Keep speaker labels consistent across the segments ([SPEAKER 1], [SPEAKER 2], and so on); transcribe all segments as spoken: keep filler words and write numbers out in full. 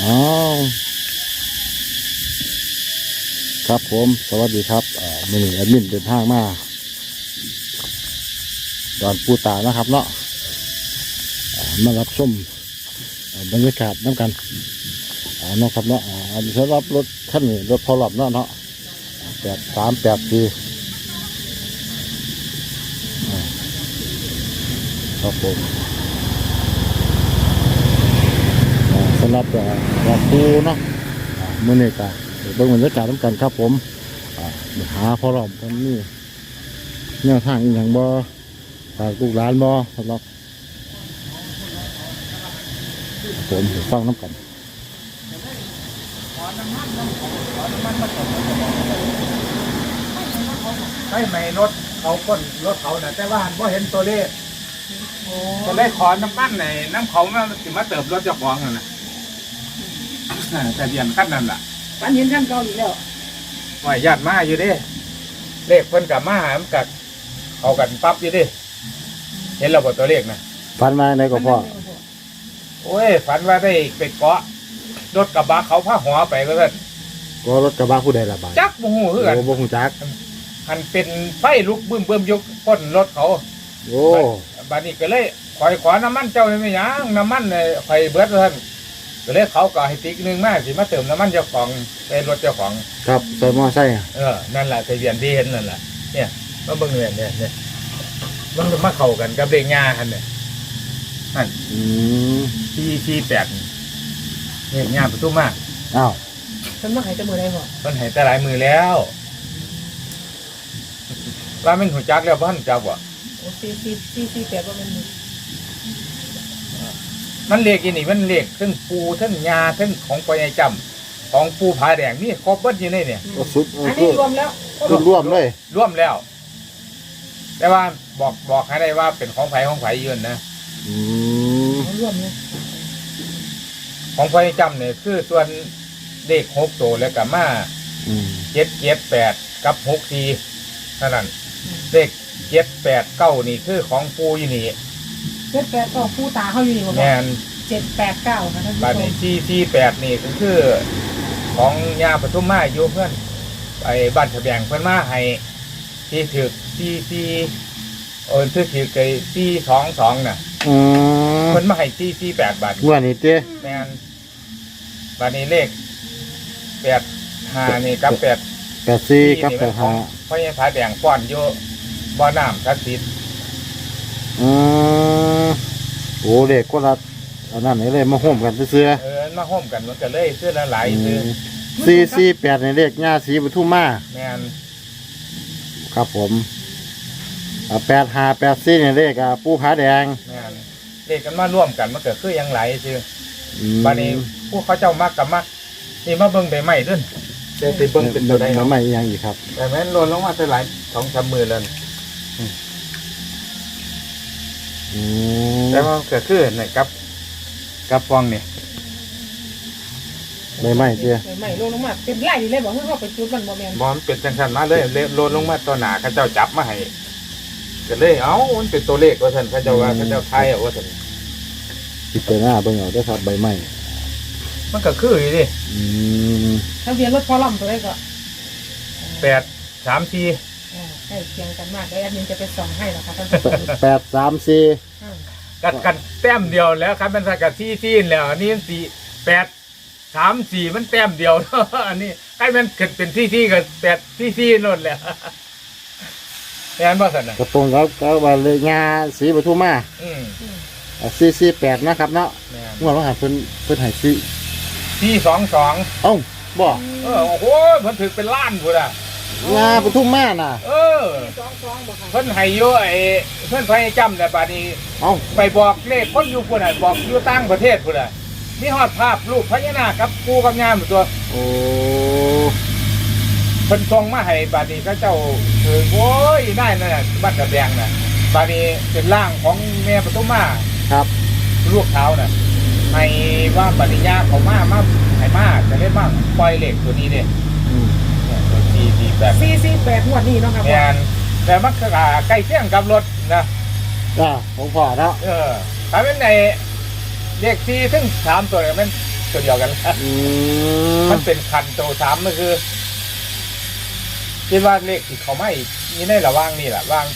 [SPEAKER 1] อ๋อครับผมสวัสดีครับอ่ามือหนึ่งแอดมินเดินทางมาดอนปูตานะครับเนาะอ่ามารับชมอ่าบรรยากาศน้ำกันอ่าเนาะครับเนาะอ่าอันนี้สำหรับรถคันนี้รถพอหลับเนาะเนาะแปดสามแปดสี่ครับผมอ่าสำหรับรถปูเนาะมือหนึ่งกะเบิ่งบรรยากาศน้ำกันครับผมอ่าหาพอหลับตรงนี้เนี่ยทางอีกอย่างบ่ฝากลูกหลานบ่สำหรับผมฟังน้ำกัน
[SPEAKER 2] ใช่ไหมรถเขาก้นรถเขาน่ะแต่ว่าหันว่าเห็นตัวเลขก็เลยขอน้ำมันในน้ำเขามาสิมาเติมรถเจ้าของน่ะนะแต่เบียนขั้นนั่นแหละ
[SPEAKER 3] ปันเห็นขั้นเก่าอีกแล้ว
[SPEAKER 2] ว่าญาติมาอยู่ดิเลขเพิ่นกับมาหามนกับเขากันปั๊บอยู่ดิเห็นเราบตัวเลขนะ
[SPEAKER 1] ฟันมาในก็พ่อ
[SPEAKER 2] โอ้ยฝันว่าได้ไปเกาะรถกระบะเขาพาหัวไปก็เพิ่น
[SPEAKER 1] ก็รถกระบะผู้ใดละบาด
[SPEAKER 2] จักโมโหคือกัน
[SPEAKER 1] โอ้บ่ฮู้จัก
[SPEAKER 2] หันเป็นไฟลุกบึ้มเบิ่มยกพ้นรถเขา
[SPEAKER 1] โอ้
[SPEAKER 2] บัดนี้ก็เลยคอยขอน้ำมันเจ้าได้ไหมยังน้ำมันเนี่ยคอยเบิดเพิ่นก็เลยเขาก็ให้ติ๊กหนึงมาสิมาเติมน้ำมันเจ้าของในรถเจ้าของ
[SPEAKER 1] ครับใส่มอไซค์
[SPEAKER 2] เออนั่นแหละทะเบียนที่เห็นนั่นแหละเนี่ยมาเบิ่งเนี่ยเนี่ยเนี่ยมันมาเข้ากันกับเลขงาหันเนี่ยนั่น
[SPEAKER 1] อืม
[SPEAKER 2] ที่ที่แปดเลขงาประตูมา
[SPEAKER 1] อ้าว
[SPEAKER 3] ฉันมาหายจมูกได้บ่
[SPEAKER 2] มันให้แต่หลายมือแล้วว่ามันหัวจักแล้วบ้านจักบ่
[SPEAKER 3] โอ้สี่สี่สี่สี่แปดว่ามัน
[SPEAKER 2] มันเลขอีนี่มันเลขทั้งปูทั้งยาทั้งของปอยายจำของปูผาแดงนี่ครบเบิดอยู่ในเนี่ย
[SPEAKER 1] ก็สุด
[SPEAKER 3] อันนี้รวมแล้ว
[SPEAKER 1] สุดร่วมเลย
[SPEAKER 2] ร่วมแล้ว แต่ว่าบอกบอกให้ได้ว่าเป็นของไผของไผยืนนะ
[SPEAKER 1] อืม
[SPEAKER 3] รวมเลย
[SPEAKER 2] ของปอยายจำเนี่ยคือส่วนเลขหกตัวแล้วกับมา
[SPEAKER 1] อืม
[SPEAKER 2] เจ็ดเจ็ดแปดกับหกสี่เท่านั้นเลขเจ็ดแปดเก้านี่คือของปูอยู่นี่
[SPEAKER 3] เจ็ดแปดก็ผู้ตาเขาอยู่นี่บ่
[SPEAKER 2] แมน
[SPEAKER 3] เจ็ดแปดเก้าค่ะท่านผู้
[SPEAKER 2] บาท
[SPEAKER 3] ช
[SPEAKER 2] นี้
[SPEAKER 3] ม
[SPEAKER 2] ที่ที่แปดนี่ก็คือของยาปทุมมาอยู่เพื่อนไปบ้านทะแบงเพื่อนมาให้ที่ถือที่ที่เออที่ถือไอ้ที่สองสองน่ะ
[SPEAKER 1] อืม
[SPEAKER 2] เพื่อนมาให้ที่ที่แปดบาท
[SPEAKER 1] งวดนี้เจ้
[SPEAKER 2] แมนบาทนี้เลขแปดห้านี่กับแปด
[SPEAKER 1] แปดสี่กับแปดห้า
[SPEAKER 2] เพราะยังผาแดงป้อนอยู่บ่อน้ำทัดติด
[SPEAKER 1] อืมโอ้เด็กก็รัดอันนั้นนี่เลยมาห่มกันเสื้อ
[SPEAKER 2] เออมาห้อมกันมันก็เลยซื้อละหลายซื้อ
[SPEAKER 1] สี่สี่แปดในเลขง่าสีปทุมมา
[SPEAKER 2] แมน
[SPEAKER 1] ครับผมแปดห้าแปดสี่ในเลขอ่ะปูผาแดง
[SPEAKER 2] แมนเลขกันมาร่วมกันมันก็คือยังไหลซื้อ
[SPEAKER 1] อืม
[SPEAKER 2] บานี้พวกเขาเจ้ามักกับมักนี่มาเบิ่งได้ไหมเด้วยเดี๋ยวไปเบิ่งเป็นตัวใด
[SPEAKER 1] แล้
[SPEAKER 2] เนาะ
[SPEAKER 1] วไม่ยังอีกครับ
[SPEAKER 2] แต่แม่นโลนลงมาเท่าไหร่สองสามมือแล้วนี่
[SPEAKER 1] อืม
[SPEAKER 2] แต่ว่าเกิดขึ้นนี่กับกับฟองนี่
[SPEAKER 1] ไม่ไม่เจ้
[SPEAKER 3] ไม่ลงลงมาเป็นไล่เลยบอกให้เขาไปจุดมันบ่แม่น
[SPEAKER 2] บอมนเป็นจังสันมาเลยเลยโลนลงมาตัวหนาเขาเจ้าจับมาให้ก็เลยเอ้ามันเป็นตัวเลขว่าท่านเขาเจ้าว่าเขาเจ้าไทยเอาว่าท่าน
[SPEAKER 1] ติดไปหน้าเบิ่งเอาได้อครับใบไม้
[SPEAKER 2] มันก็คืออยู่ดิ
[SPEAKER 1] อืม
[SPEAKER 3] ทะเบียนรถพอล่ำตัวได้ก็
[SPEAKER 2] แปดสามสี่
[SPEAKER 3] อ่าใกล้เคียงกันมากเดี๋ยวแอดมินจะไปส่องให้นะคะท่านผู้ชม
[SPEAKER 1] แปดสามสี่
[SPEAKER 3] อ่า
[SPEAKER 2] กัดกันแต้มเดียวแล้วครับมันสักกับที่ที่แล้วอันนี้สี่แปดสามสี่มันแต้มเดียว อันนี้ใครมันเกิดเป็นที่ที่กับแปดที่ที่นั่นแหละแม่นบ่สันนะ
[SPEAKER 1] กระตรงครับก็ว่าเลขง่าสีปทุมมา
[SPEAKER 2] อืม
[SPEAKER 1] สี่สี่แปดนะครับเนาะ
[SPEAKER 2] แม่น
[SPEAKER 1] งวดว่าหาเพิ่นเพิ่นให้สี่
[SPEAKER 2] ที่สองสอง
[SPEAKER 1] เอ้าบ่
[SPEAKER 2] เออโอ้โหมันถึงเป็นล้านพุ่นอ่ะ
[SPEAKER 1] งาปทุมมาน่ะ
[SPEAKER 2] เออ
[SPEAKER 3] สองสองบ่ค่ะ
[SPEAKER 2] เพิ่นให้อยู่ไอ้เพิ่นพยจำแต่บัดนี้
[SPEAKER 1] เอ้า
[SPEAKER 2] ไปบอกเลขคนอยู่พุ่นน่ะบอกอยู่ต่างประเทศพุ่นน่ะมีฮอดภาพรูปพญานาคกับปูกับยามอยู่ตัว
[SPEAKER 1] โอ้
[SPEAKER 2] เพิ่นส่งมาให้บัดนี้เขาเจ้าคือโอ้ยได้นั่นน่ะบ้านกระแดงน่ะบัดนี้เป็นร่างของแม่ปทุมมา
[SPEAKER 1] ครับ
[SPEAKER 2] ลูกเท้าน่ะให้ว่าปฏิญาเขามามาให้มาจะได้มาปล่อยเหล็กตัวนี้เด้
[SPEAKER 1] อืม
[SPEAKER 2] เนี่ยตัวสี่สี่แปด
[SPEAKER 3] สี่สี่แปดงวดนี้เนาะครับ
[SPEAKER 2] แมนแต่มันก็ใกล้เคียงกับรถนะ
[SPEAKER 1] อ่าของพ่อเนาะ
[SPEAKER 2] เออถ้าเป็นในเลขสี่ถึงสามตัวเนี่ยมันตัวเดียวกัน
[SPEAKER 1] อืม
[SPEAKER 2] มันเป็นคันโตสามมันคือคิดว่าเลขที่เขาไม่นี่ในระว่างนี่แหละว่าง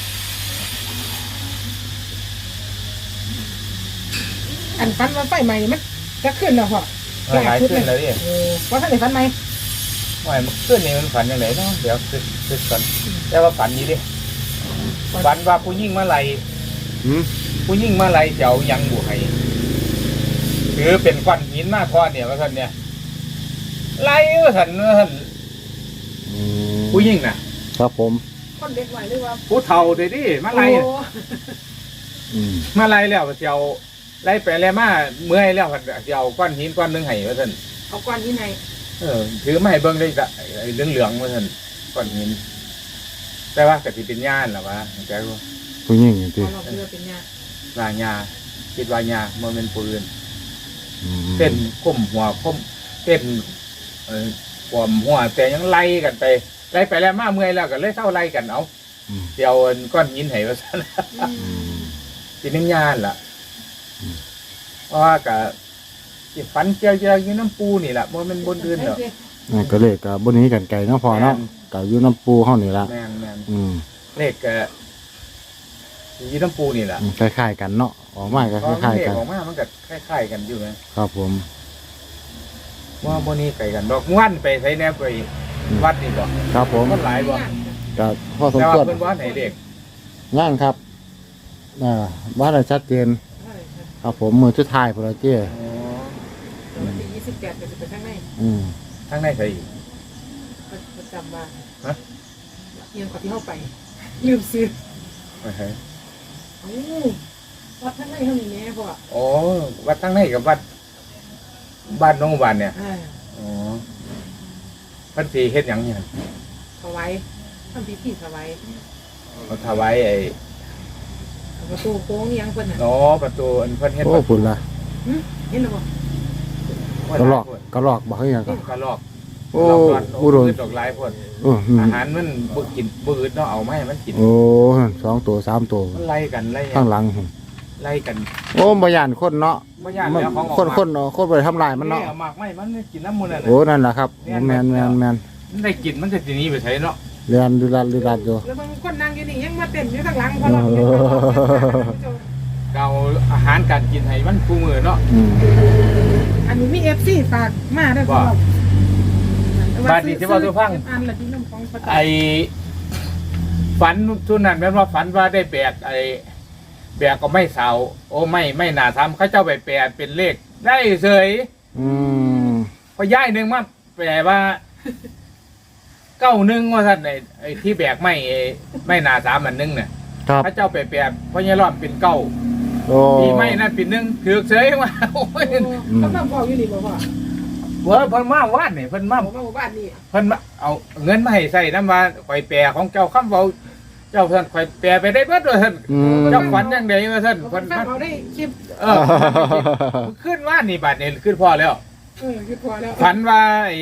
[SPEAKER 3] อันฟันว่าไฟใหม่มันจะขึ้นแล้วพ่อ
[SPEAKER 2] หลายขึ้นแล้วดิ
[SPEAKER 3] โอ้ว่าท่านไหนฟันไหม
[SPEAKER 2] ว่ามันขึ้นนี่มันฝันยังไงเนาะเดี๋ยวขึ้นขึ้นก่อนแต่ว่าฝันนี้ดิฝันว่าผู้ยิ่งมาไล่
[SPEAKER 1] อืม
[SPEAKER 2] ผู้ยิ่งมาไล่เจ้ายังบุให้ถือเป็นก้อนหินมาทอดเนี่ยว่าท่านเนี่ยไล่ว่าท่านว่าท่าน
[SPEAKER 1] อืม
[SPEAKER 2] ผู้ยิ่งน่ะ
[SPEAKER 1] ครับผม
[SPEAKER 3] คนเด็กไหวหรือว่า
[SPEAKER 2] ผู้เฒ่าเด้ดิมาไล่
[SPEAKER 3] โอ้
[SPEAKER 1] อืม
[SPEAKER 2] มาไล่แล้วเจ้าไล่ไปไล่มาเมื่อยแล้วเจ้าก้อนหินก้อนหนึงให้ว่าท่าน
[SPEAKER 3] เอาก้อนที่ไหน
[SPEAKER 2] เออถือไม่ให้เบิ่งได้จ้ะไอ้เหลืองเหลืองๆว่าท่านก้อนหินแต่ว่ากติเป็นย่านหรอวะแต่ว่า
[SPEAKER 1] ผู้หญิงจริง
[SPEAKER 3] เอาเราเรือเป็นยา
[SPEAKER 2] ลายาคิดว่ายาโมเมนต์ปืน
[SPEAKER 1] ๆอืม
[SPEAKER 2] เต้นก้มหัวก้มเต้นเออขวมหัวแต่ยังไล่กันไปไล่ไปแล้วมาเมื่อยแล้วก็เลยเท่าไล่กันเอา
[SPEAKER 1] อืม
[SPEAKER 2] เดี๋ยวเอาก้อนหินให้ว่าซั่น
[SPEAKER 3] อื
[SPEAKER 1] อื
[SPEAKER 3] ม
[SPEAKER 1] ม
[SPEAKER 2] สิเป็นย่านล่ะเพราะว่าก็สิฝันเกี่ยวๆอยู่น้ำปูนี่ล่ะบ่แม่นบนอื่นดอก
[SPEAKER 1] นั่นก็เลยกับบนนี้กันไก่เนาะพอเนาะกับอยู่น้ำปูเฮานี่ละ
[SPEAKER 2] แม่นแม่น
[SPEAKER 1] อืม
[SPEAKER 2] เลขก็อยู่น้ำปูนี่ล่ะ
[SPEAKER 1] อืมคล้ายๆกันเนาะออกมาก็
[SPEAKER 2] เพ
[SPEAKER 1] ค
[SPEAKER 2] ราะ
[SPEAKER 1] ล้าย
[SPEAKER 2] เล
[SPEAKER 1] ๆ
[SPEAKER 2] ข
[SPEAKER 1] กัน
[SPEAKER 2] ออกมามันก็คล้ายๆกันอยู่นะครับ
[SPEAKER 1] ผม
[SPEAKER 2] ว่าบ่นี้ไกลกันดอกม่วนไปไสแนวไปวัดนี่บ่
[SPEAKER 1] ครับผม
[SPEAKER 2] คนหลายบ่
[SPEAKER 1] ก็พ่อสม
[SPEAKER 2] แต่
[SPEAKER 1] คว
[SPEAKER 2] ว่าร เพิ่นว่าไหนเด็ก
[SPEAKER 1] ย่างครับอ่าว่าอะไรชัดเจนครับผมมือชุดท้ายพอเจ้
[SPEAKER 3] วันที่ยี่สิบแปดจะไปข้างใน
[SPEAKER 1] อืม
[SPEAKER 2] ทั้งในใส่อีก
[SPEAKER 3] ประจำบ้าน
[SPEAKER 2] ฮะ
[SPEAKER 3] เอียงกว่าที่เข้าไปลืมซื้อ
[SPEAKER 2] โอเค
[SPEAKER 3] โอ้วัดข้างในเขามีแม่พ่อ
[SPEAKER 2] โอ้วัดทั้งในกับวัดบ้านน้องบ้านเนี่ย
[SPEAKER 3] อ่า
[SPEAKER 2] อ๋อพันสีเฮ็ดหยังเนี่ย
[SPEAKER 3] ถวายทำพิธีถวาย
[SPEAKER 2] เขาถวายไอ้
[SPEAKER 3] ประตูโค้งยังเพิ่นน่ะ
[SPEAKER 2] อ๋อประตูอันเพิ่นเฮ็ด
[SPEAKER 1] โอ้พุ่นละ
[SPEAKER 3] หึเห็นหรือเปล่า
[SPEAKER 1] กระลอกกระลอกบอกให้ยังก่อน
[SPEAKER 2] กระลอก
[SPEAKER 1] โอ้
[SPEAKER 2] กระลอก
[SPEAKER 1] อุดม
[SPEAKER 2] ดอกหลายพ่น
[SPEAKER 1] โอ้อืม
[SPEAKER 2] อาหารมันบ่กินบ่อืดเนาะเอามาให้มันกิน
[SPEAKER 1] โอ้สองตัวสามตัว
[SPEAKER 2] มันไล่กันไล่
[SPEAKER 1] ข้างหลัง
[SPEAKER 2] ไล่กัน
[SPEAKER 1] โอ้บยานคนเนาะ
[SPEAKER 2] บ่ย่านแล้วของออก
[SPEAKER 1] คนคนเนาะคนไปทำลายมันเนาะ
[SPEAKER 2] อมากไม่มันกินน้ำมันน่ะ
[SPEAKER 1] โอ้นั่นแหละครับโอ้แมนแมนแมน
[SPEAKER 2] มันได้กินมันจะสิหนีไปไสเนาะ
[SPEAKER 1] เรียนดูรัดดูรัดอยู่
[SPEAKER 3] แล้วบางคนนั่งอยู่นี่ยังมาเต้นอยู่ข้างหลังพอเรา
[SPEAKER 1] เออ
[SPEAKER 2] เอาอาหารการกินให้มันคู่มือเนาะ
[SPEAKER 1] อืม
[SPEAKER 3] อันนี้มีเอฟซีฝากมาด้วยพ่อ
[SPEAKER 2] บ้านนี้ที่ว่าตัวพัง
[SPEAKER 3] อันละที่น้ำของประจำ
[SPEAKER 2] ไอ้ฝันทุนนั้นแม่นว่าฝันว่าได้แบกไอ้แบกก็ไม่เสาโอ้ไม่ไม่น่าทำเขาเจ้าไปแปลเป็นเลข ได้เสย
[SPEAKER 1] อืม
[SPEAKER 2] พอย่ายหนึ่งมาแปลว่าเก้าหนึ่งว่าท่านไอ้ไอ้ที่แบกไม่ไอ้ไม่น่าสามอันหนึงเนี่ย
[SPEAKER 1] ครับ
[SPEAKER 2] เขาเจ้าไปแปลเพราะยายรอดเป็นเก้า
[SPEAKER 1] โอ้
[SPEAKER 2] ที่ไม่นั่นเป็นหนึ่งถือเสยมาโอ้ย
[SPEAKER 3] เขามาบอกอยู่นี่บอกว่า
[SPEAKER 2] เว้ยเพิ่นมาวาดนี่เพิ่นมา
[SPEAKER 3] บอกว่าบ้านนี่
[SPEAKER 2] เพิ่นมาเอาเงินมาให้ใส่น้ำว่าข่อยแปรของเจ้าคำเว้าเจ้าท่านข่อยแปรไปได้เบิดว่าท่าน
[SPEAKER 1] อืม
[SPEAKER 2] เจ้าขวัญยังไดว่าท่าน
[SPEAKER 3] ค
[SPEAKER 2] เพิ่
[SPEAKER 3] น
[SPEAKER 2] น
[SPEAKER 3] ฟัง
[SPEAKER 2] มา
[SPEAKER 3] เขาได้คลิป
[SPEAKER 2] เออขึ้นว่านี่บาดนี่ขึ้นพอแล้ว
[SPEAKER 3] เออคือพอแล้ว
[SPEAKER 2] ฝันว่าไอ้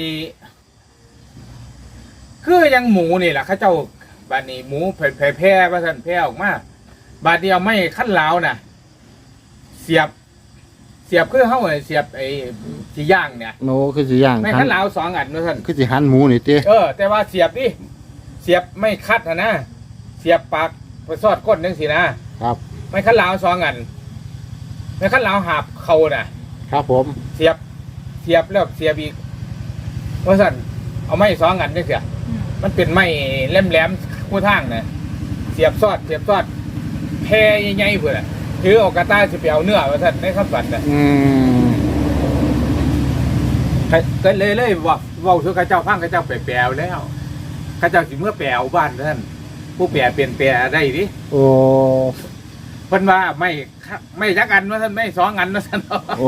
[SPEAKER 2] คือยังหมูนี่แหละเขาเจ้าบาดนี้หมูแผ่แพร่ว่าท่านแพร่ออกมาบาดเดียวไม่ขั้นลาวน่ะ เสียบ เสียบคือเฮาเสียบไอ้ที่ย่างเนี่ย
[SPEAKER 1] โนคือสิย่าง
[SPEAKER 2] ไม่
[SPEAKER 1] หั
[SPEAKER 2] ขั้
[SPEAKER 1] น
[SPEAKER 2] นลาวสองอันว่าท่าน
[SPEAKER 1] คือสิหันหมูนี่ติ
[SPEAKER 2] เออแต่ว่าเสียบดิเสียบไม่คัดนะนะเสียบปากไปซอดก้นนึงสินะครับ ไม่คัดลาวสองอันไม่คัดลาวหาบเขาน่ะ
[SPEAKER 1] ครับผม
[SPEAKER 2] เสียบเสียบแล้วเสียบอีกว่าสั่นเอาไม้สองอันนี่เสียมันเป็นไม้แหลมๆคู่ทางนะเสียบซอดเสียบซอดแพรใหญ่ๆเพื่อนน่ะถือเออกกระต้ายสิไปเอาเนื้อว่าสั่นในคำฝันน่ะ
[SPEAKER 1] อืม
[SPEAKER 2] ก็เลยเลยว่าเว่าถือข้าเจ้าพังข้าเจ้าไปแปลแล้วข้าเจ้าสิเมื่อแปลบ้านท่านผู้แปลเปลี่ยนแปลได้ดิ
[SPEAKER 1] โอ้
[SPEAKER 2] เพิ่นว่าไม่ไม่จักอันว่าท่านไม่สองอันว่าท่าน
[SPEAKER 1] โอ้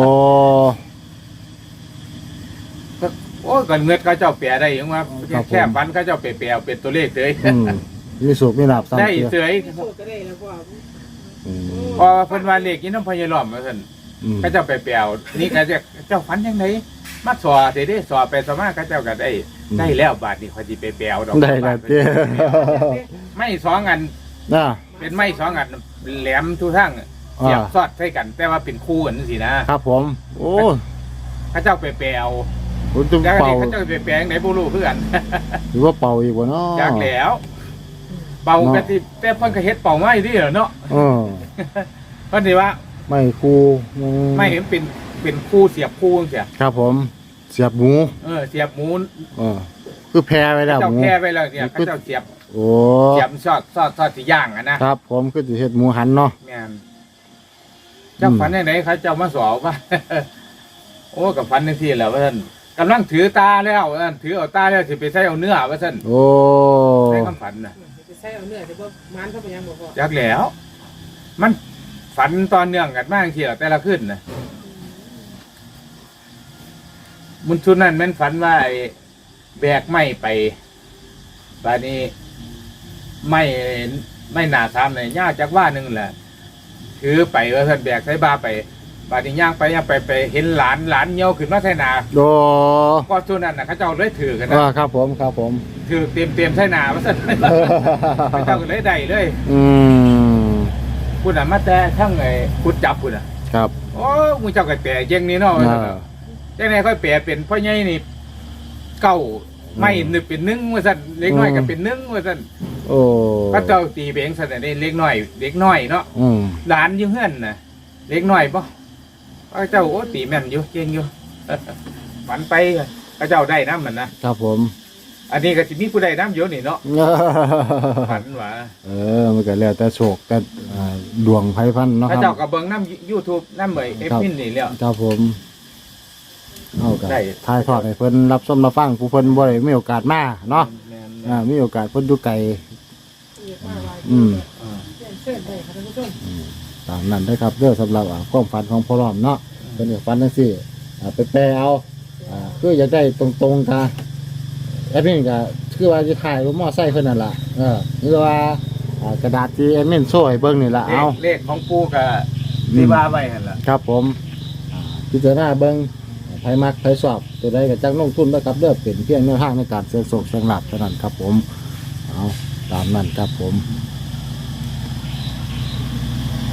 [SPEAKER 2] โอ้ก่อนเงินเขาเจ้าแปลได้ยังว่าแค่ฟันเขาเจ้าแปลแปลเป็นตัวเลขเลย
[SPEAKER 1] อืมมีสุกมีหลับสาม
[SPEAKER 2] ได้
[SPEAKER 1] เตีย
[SPEAKER 2] เสย
[SPEAKER 3] โชคก็ได้แล้วพ่อ
[SPEAKER 1] อืม
[SPEAKER 2] พอเพิ่นว่าเลขนี้น้ำพยาล้อมว่าท่าน
[SPEAKER 1] อืม
[SPEAKER 2] เขาเจ้าแปลแปลนี่เขาจะเจ้าฟันยังไงมาสอเดี๋ยวได้สอไปสมาเขาเจ้าก็ได้ได้แล้วบาทนี่เขาจะไปแปลดอก
[SPEAKER 1] ได้ละเตี้ย
[SPEAKER 2] ไม่สองอัน
[SPEAKER 1] น่ะ
[SPEAKER 2] เป็นไม้สองอันแหลมทุกทั้งเสียบซอดใส่กัน แต่ว่าเป็นคู่กันสินะครับ
[SPEAKER 1] ผม โอ้
[SPEAKER 2] เขาเจ้าไปแปลเอา
[SPEAKER 1] ผมจะ
[SPEAKER 2] แล้ว
[SPEAKER 1] เป่า
[SPEAKER 2] นี่เขาเจ้าไปแปลงไหนบ่รู้เพื่อน
[SPEAKER 1] หรือว่าเป่าอีกวะเนาะ
[SPEAKER 2] จากแล้ว เป่ากันที่แต่เพิ่นก็เฮ็ดเป่าไม้ที่เหรอเนาะ
[SPEAKER 1] เออ
[SPEAKER 2] เพิ่นสิว่า
[SPEAKER 1] ไม่ครูอื
[SPEAKER 2] ไม่เห็นเป็นเป็นคู่เสียบคู่จังซี่
[SPEAKER 1] ครับผม เสียบหมู
[SPEAKER 2] เออเสียบหมู
[SPEAKER 1] เออคือแพ้ไว้แล้ว
[SPEAKER 2] เจ้า
[SPEAKER 1] หมู
[SPEAKER 2] แพ้ไว้แล้วเนี่ยเขาเจ้าเสียบ
[SPEAKER 1] โอ้
[SPEAKER 2] เสียบซอดซอดซอดสิย่างอ่ะนะครับ
[SPEAKER 1] ผมคือสิเฮ็ดหมูหันเนาะ
[SPEAKER 2] แม่นเจ้าฝันจังไดเขาเจ้ามาสอบว่า โอ้กับฝันจังซี่แหละว่าซั่นกำลังถือตาแล้วว่าซั่นถือเอาตาแล้วสิไปใส่เอาเนื้อว่าซั่น
[SPEAKER 1] โอ้
[SPEAKER 2] ในความฝันน่ะ
[SPEAKER 3] จะใช้เอาเนื้อจะบ่มันเข้าไปยังบ่พอ
[SPEAKER 2] จักแล้ว มันฝันตอนเนื่องกันมากทีละแต่ละขึ้นนะมุนชุดนั้นแม่นฝันว่าไอ้แบกไม้ไปบาดนี้ไม่ไม่หนาสามเลยย่าจากว่าหนึ่งแหละถือไปว่าเพิ่นแบกใส่บาไปบาดนี้ย่างไปย่างไปไปเห็นหลานหลานเหี่ยวขึ้นมาใส่นา
[SPEAKER 1] โด
[SPEAKER 2] ก็ชุดนั้นนะเขาเจ้าเลยถือกันนะ
[SPEAKER 1] อ่าครับผมครับผม
[SPEAKER 2] ถือเต็มเต็มๆใส่นาว่าซั่นเขาเจ้าก็เลยได้เลย
[SPEAKER 1] อืม
[SPEAKER 2] คุณอ่ะมาแต่ทั้งไอ้คุดจับคุณอ่ะ
[SPEAKER 1] ครับ
[SPEAKER 2] โอ้มึงเจ้าก็แปลเจงนี้เนาะ
[SPEAKER 1] อ่า
[SPEAKER 2] จังได๋ค่อยแปลเป็นพ่อใหญ่นี่เก้าไม่นึกเป็นหนึ่งว่าซั่นเล็กน้อยก็เป็นหนึ่งว่าซั่น
[SPEAKER 1] โอ้
[SPEAKER 2] พระเจ้าตีเบงซั่นน่ะนี่เล็กน้อยเล็กน้อยเนาะ
[SPEAKER 1] อืม
[SPEAKER 2] หลานอยู่เฮือนน่ะเล็กน้อยบ่พระเจ้าโอ้ตีแม่นอยู่เก่งอยู่ ฝันไปพระเจ้าได้นำมันนะครับ
[SPEAKER 1] ผม
[SPEAKER 2] อันนี้ก็สิมีผู้ใดนำอยู่นี่เนาะฝันว่า
[SPEAKER 1] เออมันก็แล้วแต่โชคแต่อ่าดวงไพ่พันเนาะ
[SPEAKER 2] พระ
[SPEAKER 1] ค
[SPEAKER 2] เจ้า
[SPEAKER 1] รับ
[SPEAKER 2] ก็เบิ่งนำ YouTube นำเอ้เอฟมินนี่แล้ว
[SPEAKER 1] ครับผมเอากัน
[SPEAKER 2] ได้
[SPEAKER 1] ทายทอดให้เพิ่นรับชมรับฟังผู้เพิ่นบ่ได้มีโอกาสมาเนาะ
[SPEAKER 2] แม่น
[SPEAKER 1] อ่ามีโอกาสเพิ่นอยู่ไกล
[SPEAKER 3] อีกว่าว่า
[SPEAKER 1] อืม
[SPEAKER 2] อ่า
[SPEAKER 3] เชิญได้ค่ะท่านผู้ชม
[SPEAKER 1] ตามนั้นได้อครับเรื่องสำหรับอ่าความฝันของพ่อรอมเนาะเป็นก็ฝันจังซี่อ่าไปแปลเอาอ่าคืออยากได้ตรงๆกะแอดมินก็คือว่าสิถ่ายรถมอไซค์เพิ่นนั่นล่ะเออหรือว่าอ่ากระดาษที่แอดมินโชว์ให้เบิ่งนี่ล่ะ
[SPEAKER 2] เล
[SPEAKER 1] เอา
[SPEAKER 2] ขเลขของปู่ก็ที่ว่าไว้หั่นล่ะ
[SPEAKER 1] ครับผมอ่าพิจารณาเบิ่งไผมักไผชอบตัวใดก็จักลงทุนนะครับเด้อเป็นเพียงแนวทางในการเสี่ยงโชคเสี่ยงลาภเท่านั้นครับผมเอาตามนั้นครับผม